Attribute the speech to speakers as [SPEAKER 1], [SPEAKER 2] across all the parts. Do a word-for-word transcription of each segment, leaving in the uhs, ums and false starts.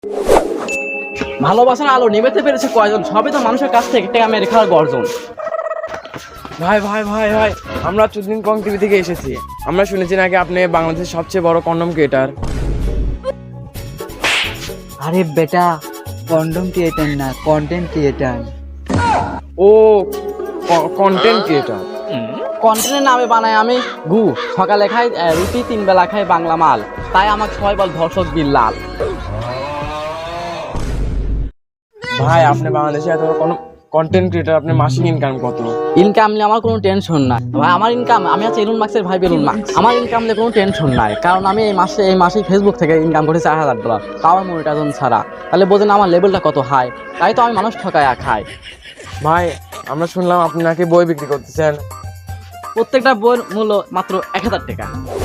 [SPEAKER 1] ভালোবাসার আলো নিভাতে পেরেছে কয়জন? সবই তো মানুষের কাছ থেকে টাকা মেরে খাওয়ার গর্জন।
[SPEAKER 2] ভাই ভাই ভাই ভাই আমরা চুদিন কং টিভি থেকে এসেছি। আমরা শুনেছি নাকি আপনি বাংলাদেশের সবচেয়ে বড় কন্ডম ক্রিয়েটার।
[SPEAKER 3] আরে বেটা, কন্ডম ক্রিয়েটার না, কন্টেন্ট ক্রিয়েটার।
[SPEAKER 2] ও কন্টেন্ট ক্রিয়েটার।
[SPEAKER 1] কন্টেন্টের নামে বানাই আমি গু। সকালে খাই আহ, রুটি, তিন বেলা খাই বাংলা মাল, তাই আমাকে সবাই বল ধর্ষক বিল্লাল।
[SPEAKER 2] ভাই আপনি বাংলাদেশে এত বড় কোনো কন্টেন্ট ক্রিয়েটার, আপনি মাসিক ইনকাম কত?
[SPEAKER 1] ইনকাম নিয়ে আমার কোনো টেনশন নাই ভাই। আমার ইনকাম, আমি আছি এলুন মার্কসের ভাই বেলুন মার্কস। আমার ইনকাম নিয়ে কোনো টেনশন নাই, কারণ আমি এই মাসে এই মাসেই ফেসবুক থেকে ইনকাম করেছি চার হাজার ডলার, তাও আমার মনিটাইজেশন ছাড়া। তাহলে বোঝেন আমার লেভেলটা কত হাই। তাই তো আমি মানুষ ঠকায় খাই।
[SPEAKER 2] ভাই আমরা শুনলাম আপনি নাকি বই বিক্রি করতেছেন।
[SPEAKER 1] প্রত্যেকটা বইয়ের মূল্য মাত্র এক হাজার টাকা।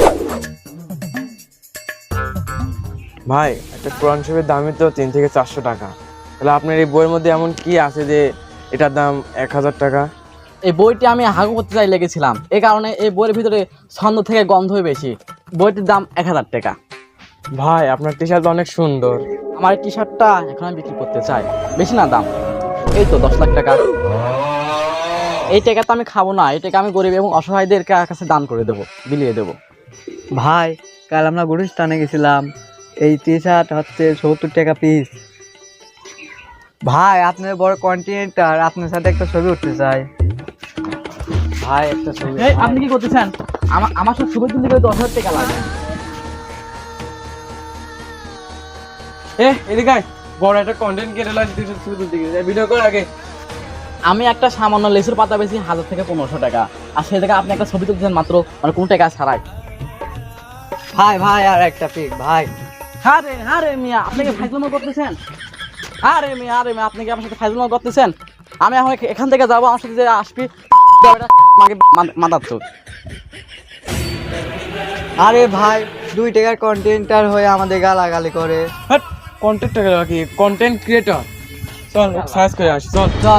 [SPEAKER 2] ভাই একটা কোরআন শরীফের দামই তো তিন থেকে চারশো টাকা। তাহলে আপনার এই বইয়ের মধ্যে এমন কি আছে যে এটার দাম এক হাজার টাকা?
[SPEAKER 1] এই বইটি আমি হাগু করতে চাই লেগেছিলাম, এই কারণে এই বইয়ের ভিতরে ছন্দ থেকে গন্ধই বেশি। বইটির দাম এক হাজার টাকা।
[SPEAKER 2] ভাই আপনার টি শার্ট অনেক সুন্দর।
[SPEAKER 1] আমার এই টি শার্টটা এখন আমি বিক্রি করতে চাই, বেশি না দাম, এই তো দশ লাখ টাকা। এই টাকা তো আমি খাবো না, এই টাকা আমি গরিব এবং অসহায়দের কাছে দান করে দেবো, বিলিয়ে দেবো।
[SPEAKER 3] ভাই কাল আমরা গুলিস্তানে গেছিলাম, এই টি শার্ট হচ্ছে সত্তর টাকা পিস। ভাই আপনার বড় কন্টেন্টার, আপনার সাথে একটা ছবি উঠতে চাই। ভাই একটা ছবি।
[SPEAKER 1] এই আপনি কি করতেছেন? আমার আমার সাথে ছবি তুলতে গেলে দশ হাজার টাকা লাগে।
[SPEAKER 2] এ এদিকে আয়, বড় একটা কন্টেন্ট ক্রিয়েটার লাগছে, তুই ছবি তুলতে গেছিস, ভিডিও কর আগে।
[SPEAKER 1] আমি একটা সামান্য লেসুর পাতা বেশি হাজার থেকে পনেরোশো টাকা, আর সে থেকে আপনি একটা ছবি তুলতেছেন মাত্র মানে কোনো টাকা ছাড়াই।
[SPEAKER 3] ভাই ভাই আর একটা পিক ভাই।
[SPEAKER 1] হ্যাঁ রে হ্যাঁ রে মিয়া, আপনি কি ফাইজলামো করতেছেন? হ্যাঁ রে মিয়া, আরে মিয়া, আপনি কি আমার সাথে ফাইজলামো করতেছেন? আমি এখন এখান থেকে যাবো, আমার সাথে যে আসবি মাদার চোখ।
[SPEAKER 3] আরে ভাই দুই টাকার কন্টেন্টার হয়ে আমাদের গালাগালি করে।
[SPEAKER 2] হ্যাঁ কন্টেন্ট কি কন্টেন্ট ক্রিয়েটর? চল সার্চ করে আসি, চল
[SPEAKER 3] চল।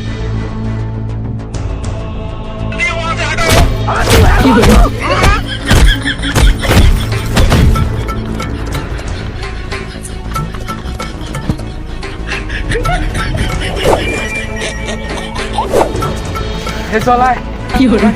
[SPEAKER 2] হে চল আয়।
[SPEAKER 1] কি হলো?